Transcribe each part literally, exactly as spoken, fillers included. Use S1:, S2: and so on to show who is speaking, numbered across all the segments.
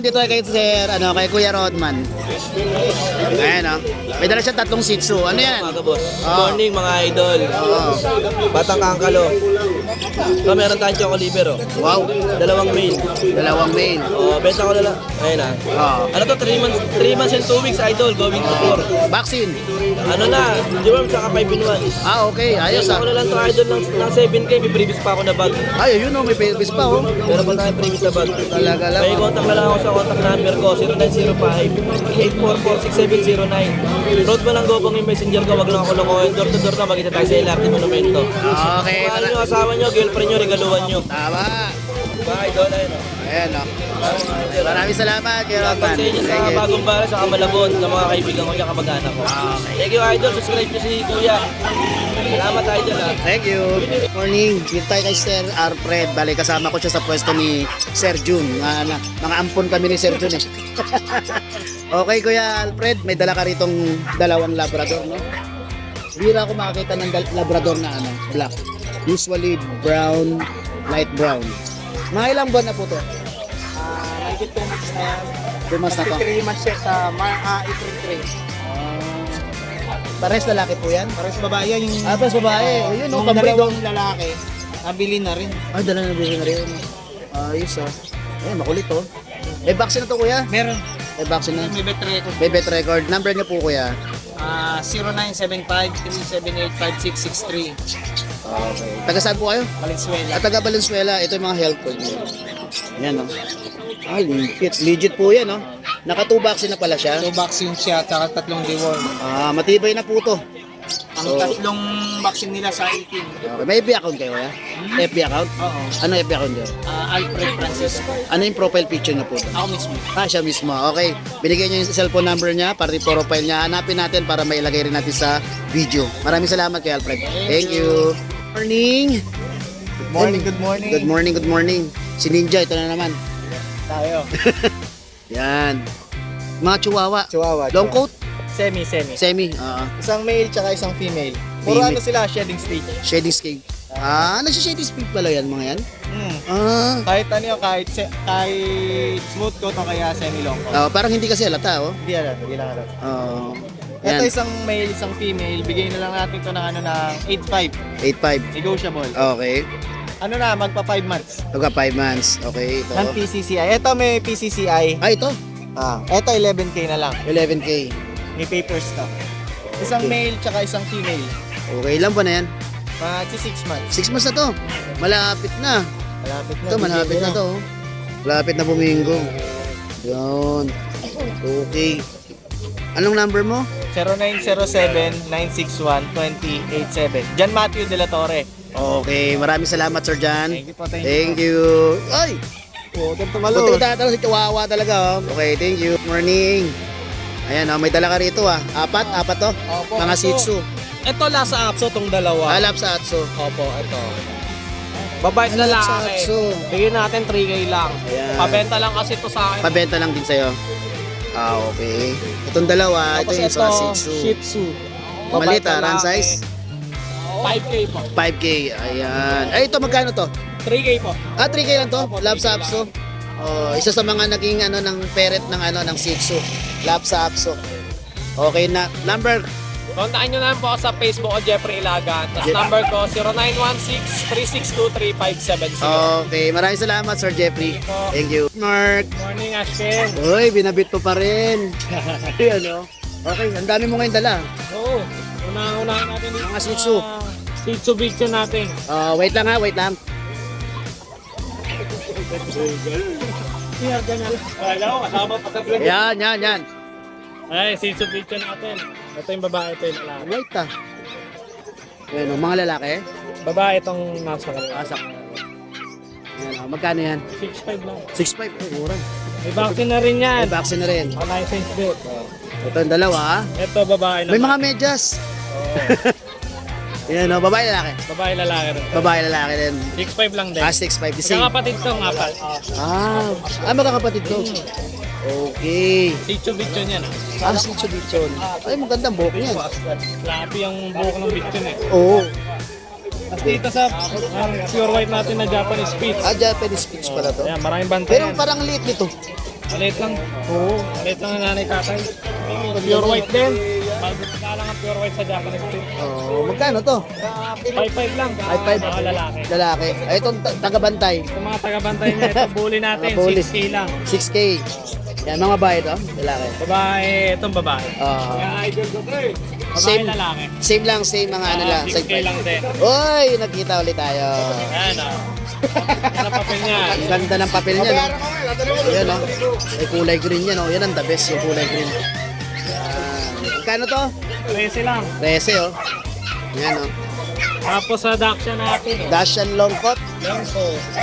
S1: dito kay Sir, ano, kay Kuya Rodman. Ayan, oh. May dala siya tatlong Shih Tzu. Ano yan?
S2: Mga boss.
S1: Oh.
S2: Morning mga idol.
S1: Oo.
S2: Batang Kangkalo. So, meron tayong choco liver, oh.
S1: Wow.
S2: Dalawang mail.
S1: Dalawang main.
S2: Oh, benta ko na lang. Ayun ah.
S1: Oo.
S2: Ano to? three months, three months and two weeks, idol. Going to four.
S1: Vaccine.
S2: Ano na? Di ba, saka five in one.
S1: Ah, okay. Ayos
S2: Benta
S1: ah.
S2: ko na lang to, idol, ng, ng seven K. May previous pa ako na bag.
S1: Ay, yun oh, may pelvis pa oh.
S2: Meron pa tayong previous na bag.
S1: Talaga lang.
S2: May contact na lang ako sa contact number ko, zero nine zero five, eight four four, six seven zero nine. Road mo lang gopang yung messenger ko, wag lang ako lokohin. Door to door na, magkita tayo sa L R T Monumento.
S1: Okay.
S2: Kung ano yung asawa nyo, girlfriend nyo, regaluhan nyo.
S1: Tama.
S2: Bye, idol. Ayun o.
S1: Ayan oh. Maraming salamat, Kuya Rodman.
S2: Sa inyo sa
S1: Thank you.
S2: bagong bara sa Kamalabon, sa mga kaibigan ko niya, kamag-anak ko. Thank you, idol. Subscribe nyo si Kuya. Salamat, idol. Ha.
S1: Thank you. Good morning. Dito tayo kay Sir Alfred. Bali, kasama ko siya sa pwesto ni Sir Jun. Mga, mga, mga ampon kami ni Sir Jun eh. Okay, Kuya Alfred. May dala ka ritong dalawang Labrador, no? Bira ako makakita ng dal- Labrador na ano, black. Usually brown, light brown. Mga ilang buwan na po to?
S3: Ah, mahigit two months na yan.
S1: Two months na to.
S3: three months siya sa Mar- ah, April three.
S1: Pares lalaki po yan?
S3: Para sa babae yan, yung,
S1: Ah, pares babae. O yun, no,
S3: yung
S1: pambreed,
S3: dalawang lalaki, nabili na rin.
S1: Ay, dala na bilhin na rin. Ayos ah. Ay, makulit oh. May vaccine na to, Kuya?
S3: Meron.
S1: May vaccine na.
S3: May bet record.
S1: May bet record. Number niyo po, Kuya.
S3: Ah, zero nine seven five, three seven eight, five six six three.
S1: Okay. Taga saan po kayo?
S3: Valenzuela.
S1: At taga Valenzuela, ito yung mga health code niyo. Yan, no? Ah, legit. Legit po yan, no? Naka two vaccine na pala siya.
S3: Two vaccine siya, tsaka tatlong deworm.
S1: Ah, matibay na po to.
S3: Ang
S1: So-
S3: tatlong vaccine nila sa eighteen.
S1: Okay. May F B account kayo, Kuya? F B account?
S3: Oo.
S1: Ano F B account niyo?
S3: Ah, Alfred Francisco.
S1: Ano yung profile picture niyo po?
S3: Ako mismo.
S1: Ah, siya mismo. Okay. Binigyan niyo yung cellphone number niya, pati profile niya. Hanapin natin para mailagay rin natin sa video. Maraming salamat kay Alfred. Thank you. Morning.
S3: Good morning, good morning.
S1: Good morning, good morning. Si Ninja, ito na naman.
S3: Tayo.
S1: Yan. Mga chihuahua.
S3: Chihuahua.
S1: Long coat,
S3: Semi, semi.
S1: semi. ah
S3: Isang male tsaka isang female. Puro
S1: Female.
S3: ano sila, shedding stage.
S1: shading scale. Ah, nagsi-shading speed pala yan mga yan.
S3: Hmm.
S1: Ah.
S3: Kahit ano yun, kahit, se- kahit smooth coat o kaya semi-long coat.
S1: Ah, parang hindi kasi halata, oh.
S3: Hindi alam, hindi lang alam.
S1: Oh.
S3: Ito
S1: Yan.
S3: isang male, isang female, bigay na lang natin ito ng ano ng eight five,
S1: eight five.
S3: negotiable.
S1: Okay.
S3: Ano na, magpa five months.
S1: Pagka five months. Okay, ito.
S3: Ng P C C I. Ito may P C C I.
S1: Ah, ito.
S3: Ah, ito eleven K na lang.
S1: eleven K.
S3: May papers to. Isang male tsaka isang female.
S1: Okay, ilan ba na yan?
S3: Magsi six months.
S1: six months na to. Malapit na.
S3: Malapit na.
S1: Ito, malapit na to. oh. Malapit na buminggo. Yun. Okay. Anong number mo?
S3: zero nine zero seven, nine six one, two zero eight seven. John Matthew De La Torre.
S1: Okay, maraming salamat, Sir Jan.
S3: Thank you po, thank you.
S1: Thank you. Ay!
S3: Oh, ganito
S1: Buti ka tatanong si Chihuahua talaga, oh. Okay, thank you. Morning. Ayan, oh, may dala ka rito, ah. Apat, apat to.
S3: Opo,
S1: Mga
S3: ito.
S1: Shih Tzu.
S3: Ito lasa apso tong dalawa.
S1: Alap sa Atso.
S3: Opo, ito. Babae
S1: Alap
S3: lalaki.
S1: sa Atso.
S3: Bigyan natin three K lang.
S1: Ayan.
S3: Pabenta lang kasi ito sa akin.
S1: Pabenta lang din sa'yo. Ah, okay. Itong dalawa, ito
S3: Tapos
S1: yung
S3: ito,
S1: sa Shih Tzu.
S3: Shih Tzu.
S1: Malit, ah. Run
S3: lalaki.
S1: size?
S3: five K po.
S1: five K. Ayan. Ay, ito magkano to?
S3: three K po.
S1: Ah, three K lang to? Lab sa Apso. Oh, isa sa mga naging ano ng parent ng ano ng Shih Tzu. Lab sa Apso. Okay na. Number.
S4: Kontakin nyo na lang po ako sa Facebook ko, Jeffrey Ilagan. Tapos
S1: Je-
S4: number ko, zero nine one six, three six two, three five seven zero.
S1: Okay, maraming salamat, Sir Jeffrey. Thank you. Mark.
S4: Morning, Ashken.
S1: Uy, binabit mo pa rin. Ayan, oh. Okay, ang dami mo ngayon dala.
S4: Oo. Una-unahan natin dito.
S1: Mga Shih Tzu.
S4: ah, Shih Tzu video natin.
S1: Ah, wait lang ha, wait lang.
S4: Wala ko, kasama pa sa vlog.
S1: Yan, yan, yan.
S4: Ay, Shih Tzu video natin. Ito yung babae, ito yung lalaki.
S1: Wait ah. Ayan, oh, mga lalaki.
S4: Babae itong nasa kanila.
S1: Asak. Ayan, oh, magkano yan?
S4: six five lang.
S1: six five. Oh, mura.
S4: May vaccine na rin yan.
S1: May vaccine na rin.
S4: O, license din.
S1: Ito ang dalawa ah.
S4: Ito, babae naman.
S1: May mga medyas. Ayan, oh, babae lalaki.
S4: Babae, lalaki rin.
S1: Babae lalaki din.
S4: six five lang din.
S1: Ah, six five. The
S4: Isang
S1: same.
S4: kapatid ko, nga pa.
S1: Ah, ah magkakapatid ko. Okay.
S4: Shih Tzu video niyan.
S1: Ah, si Chubichon. Ay, magandang buhok niyan.
S4: Grabe yung buhok ng video eh.
S1: Oo.
S4: Tapos dito sa ang pure white natin na Japanese Spitz.
S1: Ah, Japanese speech pala to.
S4: Ayan, maraming bantay
S1: Pero
S4: yan.
S1: parang liit nito.
S4: Maliit lang.
S1: Oo.
S4: Maliit lang ang nanay tatay. Pure white din. Magkakala lang ang pure white sa Japanese Spitz.
S1: Oh, magkano to?
S4: five five lang.
S1: five five.
S4: Mga lalaki.
S1: Lalaki. Ay, itong ta- tagabantay.
S4: Yung mga taga-bantay niya, ito bully natin,
S1: Mga bully.
S4: six K lang.
S1: six K. Yan, mga babae to. Lalaki.
S4: Babae, itong babae.
S1: Ah,
S4: idol ko to eh. Babae
S1: Same.
S4: lalaki.
S1: same lang, same mga ano lang.
S4: six K lang din.
S1: Uy, nagkita ulit tayo.
S4: Ayan ah. Yan ang papel niya.
S1: Ang ganda ng papel niya, no? Ayan, no? May kulay green yan, no? Yan ang the best, yung kulay green. Yan. Magkano to?
S4: trese lang.
S1: trese, oh. Yan, oh.
S4: Tapos sa Daksha natin.
S1: Dashan long coat.
S4: Yan po.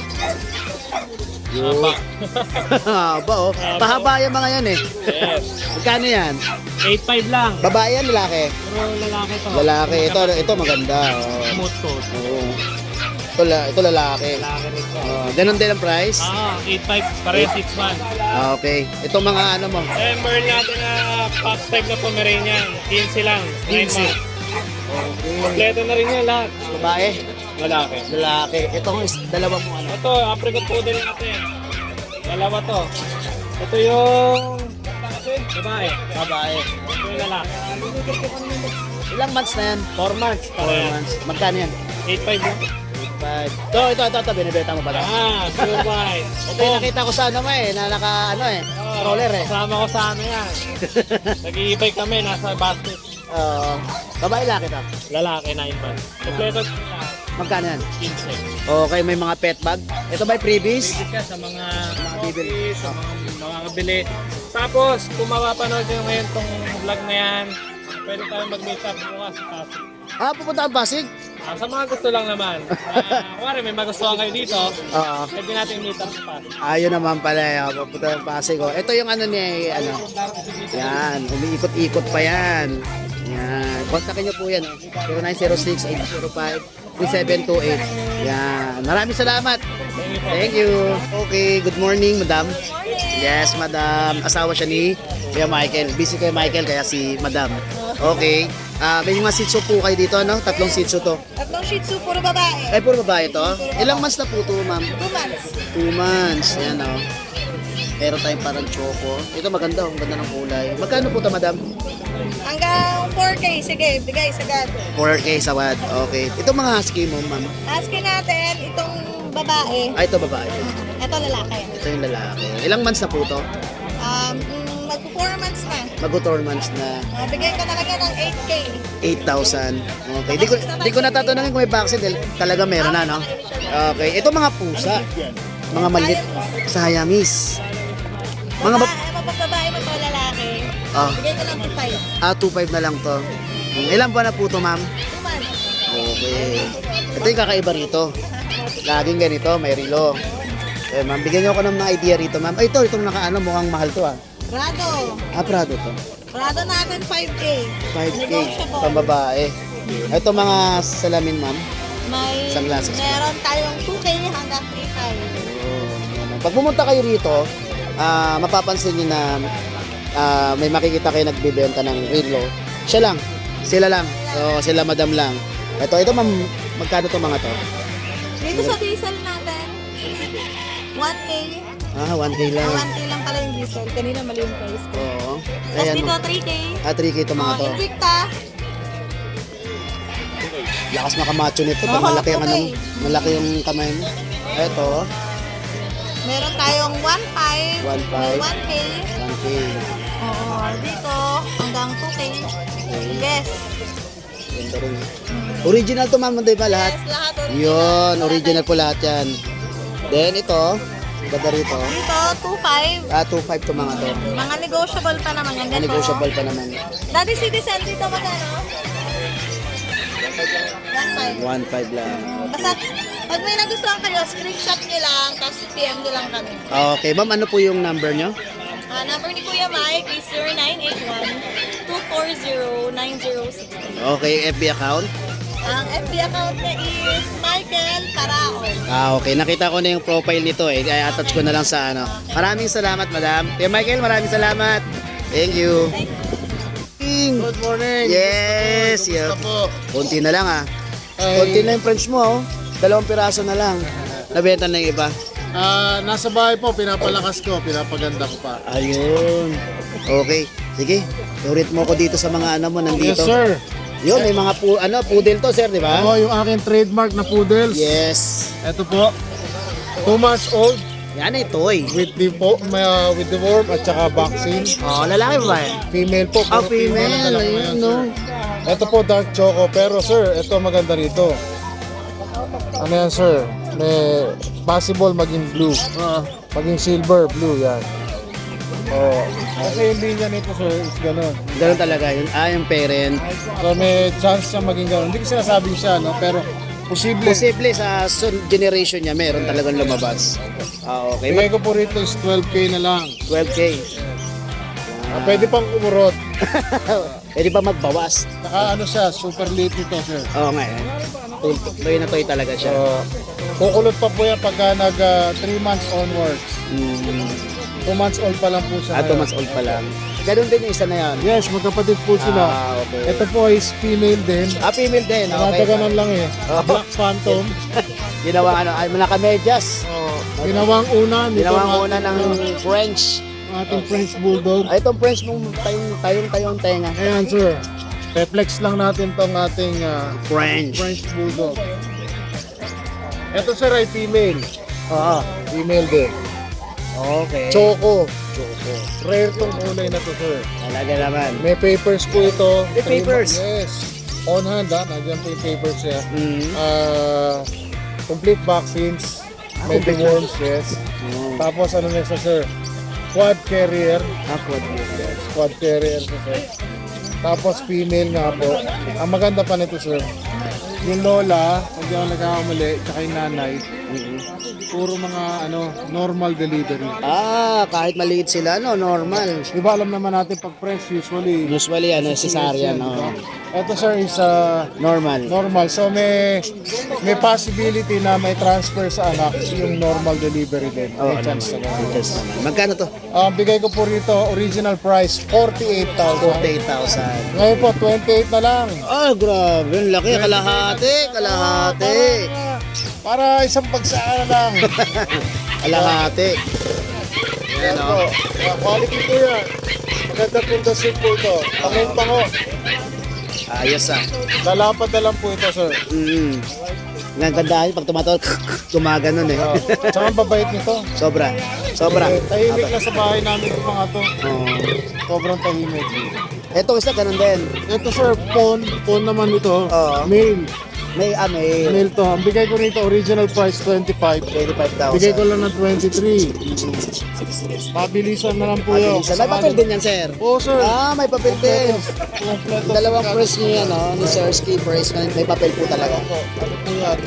S1: Haba. Haba, oh. Pahaba yung mga yan, eh.
S4: Yes.
S1: Magkano yan?
S4: eight five lang.
S1: Babae yan, lalaki?
S4: Puro lalaki to.
S1: Lalaki. Ito, ito maganda, oh.
S4: Smooth coat.
S1: Oo. Ito, la- ito lalaki.
S4: Lalaki rin to.
S1: Oh, ganun din ang price?
S4: Ah, eight five. Pareho six months.
S1: Ah, okay. Ito mga ano mo?
S4: Eh, meron natin na pop type na Pomeranian. fifteen lang. nine
S1: fifteen.
S4: months. Kompleto na rin yan lahat.
S1: Babae?
S4: Lalaki.
S1: Lalaki. Ito ang is- dalawa mo ano?
S4: Ito, apricot poodle natin. Dalawa to. Ito yung babae.
S1: Babae.
S4: Ito yung lalaki.
S1: Ilang months na yan?
S4: four months.
S1: four
S4: Parehas.
S1: months. Magkano yan?
S4: eight five lang.
S1: five. Ito, ito, ito, ito. Binibenta mo ba ito?
S4: Ah, pure white.
S1: Ito yung nakita ko sa ano mo eh, na naka ano eh, stroller eh.
S4: Kasama ko sa ano yan. Nag-i-bike kami, nasa basket.
S1: Oo. Babae laki to.
S4: Lalaki, nine months. Kompleto na lahat.
S1: Magkano yan?
S4: fifteen.
S1: Okay, may mga pet bag. Ito ba yung freebies?
S4: Visit ka sa mga
S1: bibili.
S4: office, sa mga mga kabili. Tapos, kung mapapanood nyo ngayon tong vlog na yan, pwede tayong mag-meet up bukas sa Pasig.
S1: Ah, pupunta ang Pasig?
S4: Ah, sa mga gusto lang naman. Uh, Kuwari, may magustuhan kayo dito,
S1: Oo.
S4: pwede natin meet up sa Pasig.
S1: Ayun naman pala, eh, pupunta ang Pasig. Oh. Ito yung ano niya, eh, ano. Yan, umiikot-ikot pa yan. Yan. Kontakin niyo po yan. Oh. zero nine zero six, eight zero five, three seven two eight. Yan. Maraming salamat.
S4: Thank you po.
S1: Thank you. Okay, good morning, madam. Yes, madam. Asawa siya ni Kuya Michael. Busy kay Michael, kaya si madam. Okay. Ah, may mga sitso po kayo dito, no? Tatlong sitso to.
S5: Tatlong shih tzu, puro babae.
S1: Ay, puro babae to? Ilang months na po to, ma'am?
S5: Two months.
S1: Two months. Yan, oh. Meron tayong parang choco. Ito maganda, oh. Ang ganda ng kulay. Magkano po to, madam?
S5: Hanggang four K. Sige, bigay sagad.
S1: four K sawad. Okay. Ito mga husky mo, ma'am.
S5: Askin natin itong babae.
S1: Ay, ito babae.
S5: Ito lalaki.
S1: Ito yung lalaki. Ilang months na po to?
S5: Um, mm, mag-four months na.
S1: Mag-four months na.
S5: Uh, bigay ko talaga ng eight K.
S1: eight thousand. Okay. Di ko, di ko natatanungin kung may vaccine dahil talaga meron na, no? Okay. Ito mga pusa. Mga malit sa Hayamis. Mga
S5: Mga
S1: bab-
S5: babae, mapagbabae mo to lalaki.
S1: Ah.
S5: Bigay ko lang to five.
S1: Ah, two five na lang to. Ilang buwan na po to, ma'am?
S5: Two months.
S1: Okay. Ito yung kakaiba rito. Laging ganito, may rilo. Eh, ma'am, bigyan niyo ako ng mga idea rito, ma'am. Ay, ito, itong nakaano, mukhang mahal to, ah.
S5: Prado.
S1: Ah, Prado to.
S5: Prado natin five K.
S1: five K,
S5: Negotiable.
S1: pambabae. Ito mga salamin, ma'am.
S5: May,
S1: Sunglasses.
S5: meron tayong two K hanggang three five.
S1: Oh, yan. Pag pumunta kayo rito, ah, mapapansin niyo na ah, may makikita kayo nagbibenta ng rilo. Siya lang. Sila lang. So, sila madam lang. Ito, ito ma'am, magkano to mga to?
S5: Dito sa diesel natin, one K.
S1: Ah, one K lang.
S5: one K lang pala yung diesel. Kanina mali yung price ko.
S1: Oo.
S5: Tapos
S1: Ayan,
S5: dito,
S1: ma'am.
S5: three K.
S1: Ah, three K ito mga
S5: Oh,
S1: to.
S5: Invicta.
S1: Lakas makamacho nito. Pag
S5: Oo,
S1: malaki ang ano,
S5: okay.
S1: malaki yung kamay mo. Ito,
S5: Meron tayong one five.
S1: one five,
S5: one K.
S1: one K.
S5: Oo. Dito, hanggang two K. Yes.
S1: Ganda rin. Original to ma'am, di ba lahat?
S5: Yes, lahat original.
S1: Yun, original po lahat yan. Then ito, ganda rito.
S5: Dito, two five.
S1: Ah, two five to mga to.
S5: Mga negotiable pa naman yan. Ganito.
S1: Negotiable pa naman.
S5: Daddy Citizen dito magkano? one five.
S1: one five lang.
S5: Basta, pag may nagustuhan kayo, screenshot nyo lang, tapos P M nyo lang kami.
S1: Okay, ma'am, ano po yung number nyo?
S5: Ah, number ni Kuya Mike is zero nine eight one, two four zero, nine zero six three.
S1: Okay, F B account?
S5: Ang F B account niya is Michael Paraon.
S1: Ah, okay. Nakita ko na yung profile nito eh. Kaya attach ko na lang sa ano. Maraming salamat, madam. Kuya Michael, maraming salamat. Thank you. Good morning. Yes. Yeah. Kunti na lang ah. Kunti na yung French mo oh. Dalawang piraso na lang. Nabenta na yung iba.
S6: Ah, nasa bahay po, pinapalakas ko, pinapaganda ko pa.
S1: Ayun. Okay. Sige. Urit mo ko dito sa mga ano mo nandito.
S6: Yes, sir.
S1: Yun, may mga pu ano, poodle to, sir, di ba?
S6: Ako yung aking trademark na poodles.
S1: Yes.
S6: Ito po. Two months old
S1: Yan ay toy.
S6: with the po, may, uh, with the worm at saka vaccine.
S1: Oh, lalaki ba? eh?
S6: Female po.
S1: Ah,
S6: puro
S1: female.
S6: ang dala ko
S1: Ayun,
S6: ngayon,
S1: no?
S6: sir. Ito po dark choco, pero sir, ito maganda rito. Ano yan, sir? May possible maging blue.
S1: Oo.
S6: Maging silver, blue yan. Oh, kasi yung linya nito, sir, is ganun.
S1: Ganun talaga yun. Ah, yung parent.
S6: So may chance siya maging ganun. Hindi ko sinasabing siya, no? Pero posible.
S1: Posible sa sun generation niya, meron talagang lumabas. Ah, okay.
S6: Bigay ko po rito is twelve K na lang.
S1: twelve K.
S6: Ah, pwede pang umurot.
S1: Pwede pa magbawas.
S6: Saka ano siya, super late nito, sir.
S1: Oo nga yan. Toy, toy na toy talaga siya.
S6: So, kukulot pa po yan pagka nag three months onwards.
S1: Mm.
S6: two months old pa lang po siya.
S1: Ah, two
S6: ngayon.
S1: months old pa lang. Ganun din yung isa na yan.
S6: Yes, magkapatid po sila.
S1: Ah, okay.
S6: Ito po is female din.
S1: Ah, female din. Okay.
S6: Nakataganan lang eh.
S1: Oh.
S6: Black Phantom.
S1: Ginawa ano, ay nakamedyas.
S6: Oh, ginawang una nito
S1: Ginawa
S6: ang
S1: muna ng French.
S6: ating French Bulldog.
S1: Ay, itong French mong tayong tayong tayong tenga.
S6: Ayan, sir. Reflex lang natin tong ating ah,
S1: French.
S6: French Bulldog. Ito, sir, ay female.
S1: Oo.
S6: Female din.
S1: Okay.
S6: Choco.
S1: Choco.
S6: Rare tong kulay na to, sir.
S1: Talaga naman.
S6: May papers po ito.
S1: May papers?
S6: Yes. On hand, ha? Nandiyan po yung papers niya.
S1: Mm.
S6: Ah, complete vaccines. May
S1: complete
S6: worms, yes.
S1: Oh.
S6: Tapos ano na siya, sir? Quad carrier.
S1: Ah, quad.
S6: Yes, quad carrier siya, sir. Tapos female nga po. Ang maganda pa nito, sir. Yung lola, hindi ako nagkakamali, tsaka yung nanay, puro mga ano normal delivery.
S1: Ah, kahit maliit sila, no, normal.
S6: Di ba alam naman natin pag fresh usually
S1: Usually, ano, cesarean,
S6: di ba?
S1: no.
S6: Ito, sir, is uh,
S1: Normal.
S6: normal. So may may possibility na may transfer sa anak yung normal delivery din.
S1: Oo,
S6: May chance
S1: naman.
S6: na ganun.
S1: Yes, naman. Magkano to?
S6: Ang bigay ko po rito, original price, forty-eight thousand.
S1: forty-eight thousand.
S6: Ngayon po, twenty-eight na lang.
S1: Oh, grabe. Ang laki. Kalahati. Kalahati.
S6: Para isang pagsaan na lang.
S1: Kalahati. Yan,
S6: Ito,
S1: oh.
S6: uh, quality po yan. Maganda po ito, soup po ito. Pangong pango.
S1: Ayos, ah.
S6: Lalapad na lang po ito, sir.
S1: Mm. Ang ganda pag tumatawag, gumaganon eh.
S6: Uh, tsaka ang babait nito.
S1: Sobra. Sobra.
S6: Eh, tahimik na sa bahay namin yung mga to.
S1: Oh.
S6: Sobrang tahimik.
S1: Ito isa, ganun din.
S6: Ito, sir, phone. Phone naman ito.
S1: Oo.
S6: Mail.
S1: May, ah, may
S6: Mail to. Ang bigay ko nito, original price, twenty-five.
S1: twenty-five
S6: Bigay ko
S1: thousand.
S6: lang ng twenty-three. Pabilisan na lang po yun.
S1: Mabilisan. May papel din yan, sir.
S6: Oo, sir.
S1: Ah, may papel din.
S6: Kompleto.
S1: Dalawang press niya yan, no? Ni Sir Ski press. May may papel po talaga.
S6: Ano po yan?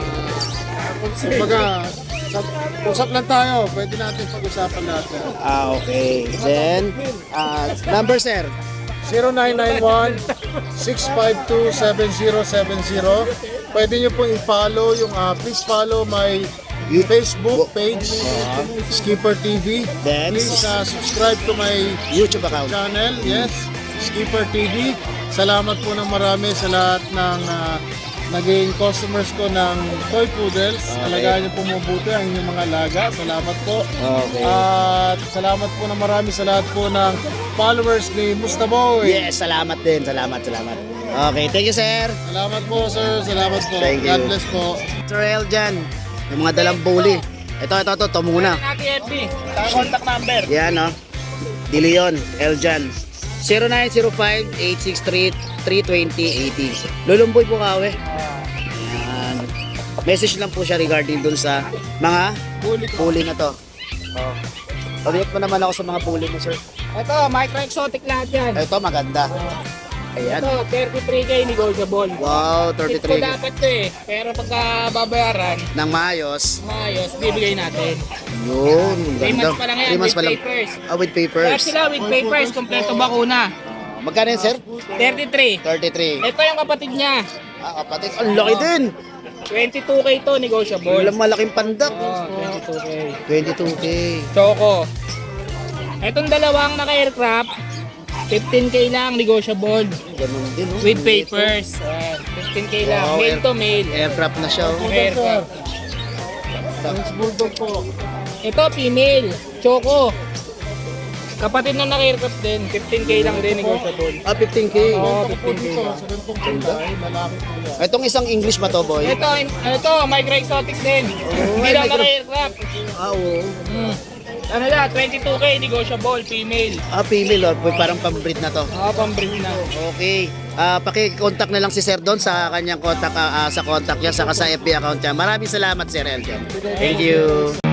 S6: Kumbaga, usap, usap lang tayo. Pwede natin pag-usapan natin.
S1: Ah, okay. Then, ah, number, sir.
S6: zero nine nine one, six five two, seven zero seven zero. Pwede nyo pong i-follow yung, ah, please follow my
S1: You-
S6: Facebook page, Skipper T V.
S1: Then,
S6: Please ah, subscribe to my
S1: YouTube account.
S6: channel, yes, Skipper T V. Salamat po ng marami sa lahat ng ah, naging customers ko ng Toy Poodles. Alagaan niyo po mabuti ang inyong mga alaga. Salamat po.
S1: Okay.
S6: At salamat po ng marami sa lahat po ng followers ni Mustaboy.
S1: Yes, salamat din. Salamat, salamat. Okay, thank you, sir.
S6: Salamat po, sir. Salamat po.
S1: Thank you.
S6: God bless po.
S1: Sir Eljan, yung mga dalang bully. Ito, ito, ito, ito muna.
S4: Natin F B. Contact number.
S1: Yan, no? De Leon, Eljan. zero nine zero five, eight six three, three two zero, eight zero. Lulumboy po kawe. Yan. Message lang po siya regarding dun sa mga bully na to. Oh. Pabiyot mo naman ako sa mga bully mo, sir.
S4: Ito, micro exotic lahat yan.
S1: Ito, maganda. Ayan.
S4: Ito, thirty-three K negotiable.
S1: Wow,
S4: Ito
S1: thirty-three.
S4: dapat to eh. Pero pagka babayaran,
S1: Nang maayos.
S4: maayos, bibigay natin.
S1: Yun,
S4: three
S1: ganda.
S4: months pa lang yan,
S1: Three months
S4: with
S1: pa lang.
S4: papers.
S1: Ah, with
S4: Lahat
S1: papers.
S4: sila with papers, kompleto bakuna.
S1: Ah, magkano yun, sir?
S4: thirty-three.
S1: thirty-three.
S4: Ito yung kapatid niya.
S1: Ah, kapatid. Ang laki din.
S4: twenty-two K to, negotiable.
S1: Walang malaking pandak.
S4: Oh, twenty-two K.
S1: twenty-two K.
S4: Choco. Itong dalawang naka-aircraft, fifteen K lang, negotiable.
S1: Ganun din, oh.
S4: With papers. Ayan, fifteen K lang.
S1: Wow,
S4: Mail
S1: air-
S4: to mail.
S1: Aircraft na siya, oh.
S4: Aircraft.
S1: ito?
S6: French Bulldog po.
S4: Ito, female. Choco. Kapatid na naka-aircraft din. fifteen K lang din, negotiable.
S1: Ah, fifteen K.
S4: Oo,
S6: Ito po
S4: fifteen K
S6: dito,
S4: lang.
S6: sa ganitong kulay, lalaki po yan.
S1: Itong isang English ba to, boy?
S4: Ito, ito, micro exotic din. Hindi lang
S1: micro-
S4: naka-aircraft.
S1: Ah, oo.
S4: Hmm. Ano na, twenty-two K, negotiable, female.
S1: Ah, female, oh. Parang pambreed na to.
S4: Oo, pambreed na.
S1: Okay. Ah, paki-contact na lang si Sir doon sa kanyang contact ah, ah, sa contact niya saka sa F B account niya. Maraming salamat, Sir Elton. Thank you.